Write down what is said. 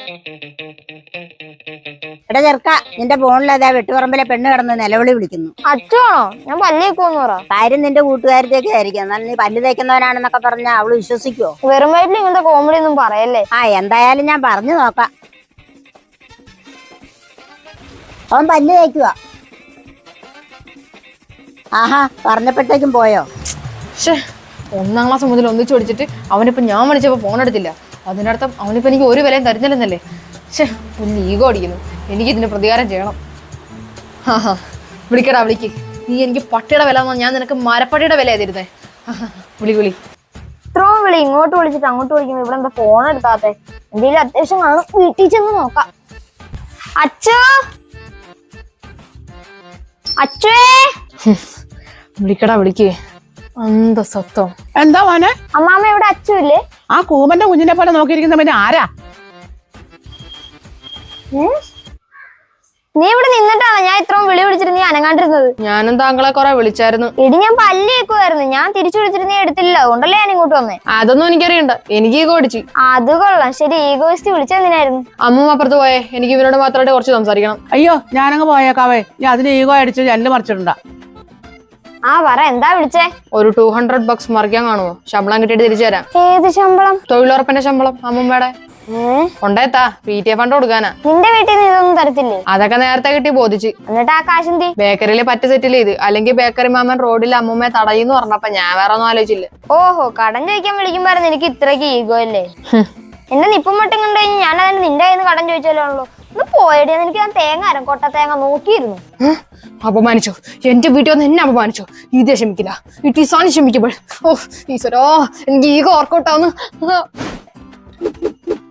എടാ ചെറുക്ക, നിന്റെ ഫോണിലതാ വെട്ടുപറമ്പിലെ പെണ്ണ് കിടന്ന് നിലവിളി വിളിക്കുന്നു. അച്ഛനാണോ? ഞാൻ പല്ലേക്കോന്ന് പറ. കാര്യം നിന്റെ കൂട്ടുകാരത്തേക്ക് ആയിരിക്കും. എന്നാൽ നീ പല്ല് തേക്കുന്നവനാണെന്നൊക്കെ പറഞ്ഞാൽ അവള് വിശ്വസിക്കുവോ? വെറും വയറ്റിൽ ഇങ്ങനത്തെ കോമഡി ഒന്നും പറയല്ലേ. എന്തായാലും ഞാൻ പറഞ്ഞു നോക്കാം. അവൻ പല്ല് തേക്കുക. ആഹാ, പറഞ്ഞപ്പോഴത്തേക്കും പോയോ? ഒന്നാം ക്ലാസ് മുതൽ ഒന്നിച്ചു പഠിച്ചിട്ട് അവനിപ്പോ ഞാൻ വിളിച്ചപ്പോ ഫോൺ എടുത്തില്ല. അതിനർത്ഥം അവനിപ്പോ എനിക്ക് ഒരു വിലയും തരുന്നില്ലെന്നല്ലേ? ഒന്ന് ഈഗോ അടിക്കുന്നു. എനിക്ക് ഇതിന് പ്രതികാരം ചെയ്യണം. വിളിക്കടാ, വിളിക്ക്. നീ എനിക്ക് പട്ടിയുടെ വില തന്നാ ഞാൻ നിനക്ക് മരപ്പട്ടിയുടെ വില തരുന്നേ. വിളി. ഇത്രയും വിളി ഇങ്ങോട്ട് വിളിച്ചിട്ട് അങ്ങോട്ട് വിളിക്കുമ്പോ ഇവിടെ എന്താ ഫോൺ എടുക്കാത്തെ? എന്തെങ്കിലും അത്യാവശ്യം കാണും, വീട്ടിൽ ചെന്ന് നോക്കാം. അച്ഛോ, അച്ഛേ, വിളിക്കടാ, വിളിക്ക്. അന്തസ്വത്വം. എന്താ മോനെ? അമ്മാമ്മ ഇവിടെ അച്ഛല്ലേ? ആ കൂമന്റെ കുഞ്ഞിനെ പോലെ നോക്കിയിരിക്കുന്ന പിന്നെ ആരാ? നീ ഇവിടെ നിന്നിട്ടാണ് ഞാൻ ഇത്രയും വിളി വിളിച്ചിട്ട് നീ അനങ്ങാണ്ടിരുന്നത്. ഞാനും താങ്കളെ കുറെ വിളിച്ചായിരുന്നു. ഇടി ഞാൻ പല്ലേക്കുമായിരുന്നു. ഞാൻ തിരിച്ചു വിളിച്ചിട്ട് നീ എടുത്തില്ല, അതുകൊണ്ടല്ലേ ഞാൻ ഇങ്ങോട്ട് വന്നേ. അതൊന്നും എനിക്കറിയണ്ട. എനിക്ക് ഈഗോ അടിച്ചു. അത് കൊള്ളാം. ശരി, ഈഗോയിസ്റ്റ് വിളിച്ചെന്തിനായിരുന്നു? അമ്മ അപ്പുറത്ത് പോയേ. എനിക്ക് ഇവരോട് മാത്രമായിട്ട് കുറച്ച് സംസാരിക്കണം. അയ്യോ, ഞാനങ്ങ് പോയേക്കാവേ. ഞാൻ അതിന് ഈഗോ അടിച്ച് ജനല് മറിച്ചിട്ടുണ്ടാ. പറ, എന്താ വിളിച്ചേ? ഒരു $200 മറിക്കാൻ കാണുമോ? ശമ്പളം കിട്ടിയിട്ട് തിരിച്ചു തരാം. ഏത് ശമ്പളം? തൊഴിലുറപ്പിന്റെ ശമ്പളം. അമ്മൂമ്മയുടെ കൊണ്ടേത്താ PTA ഫണ്ട് കൊടുക്കാനാ. നിന്റെ വീട്ടിൽ നിന്ന് ഇതൊന്നും തരത്തില്ലേ? അതൊക്കെ നേരത്തെ കിട്ടി ബോധിച്ച്. എന്നിട്ട് ആ കാശെന്തി? ബേക്കറിയില് പറ്റ് സെറ്റിൽ ചെയ്ത്. അല്ലെങ്കിൽ ബേക്കറി മാമൻ റോഡിൽ അമ്മൂമ്മയെ തടയുന്നു പറഞ്ഞപ്പോ ഞാൻ വേറെ ഒന്നും ആലോചിച്ചില്ല. ഓഹോ, കടം ചോദിക്കാൻ വിളിക്കുമ്പോഴായിരുന്നു എനിക്ക് ഇത്രയ്ക്ക് ഈഗോ അല്ലേ? എന്നെ നിപ്പം മട്ടും കണ്ടു കഴിഞ്ഞ് ഞാൻ അതിന് നിന്റെ കയ്യിൽ നിന്ന് കടം ചോദിച്ചാലോ? ഒന്ന് പോയടിയാ. എനിക്ക് ഞാൻ തേങ്ങ കൊട്ട തേങ്ങ നോക്കിയിരുന്നു. അപമാനിച്ചോ? എന്റെ വീട്ടിൽ വന്ന് എന്നെ അപമാനിച്ചോ? ഇതേ ക്ഷമിക്കില്ല. It is അൺക്ഷമിക്കബിൾ. ഓ ഈശ്വരോ, എനിക്ക് ഈഗോ വർക്കൗട്ട് ആവുന്നു.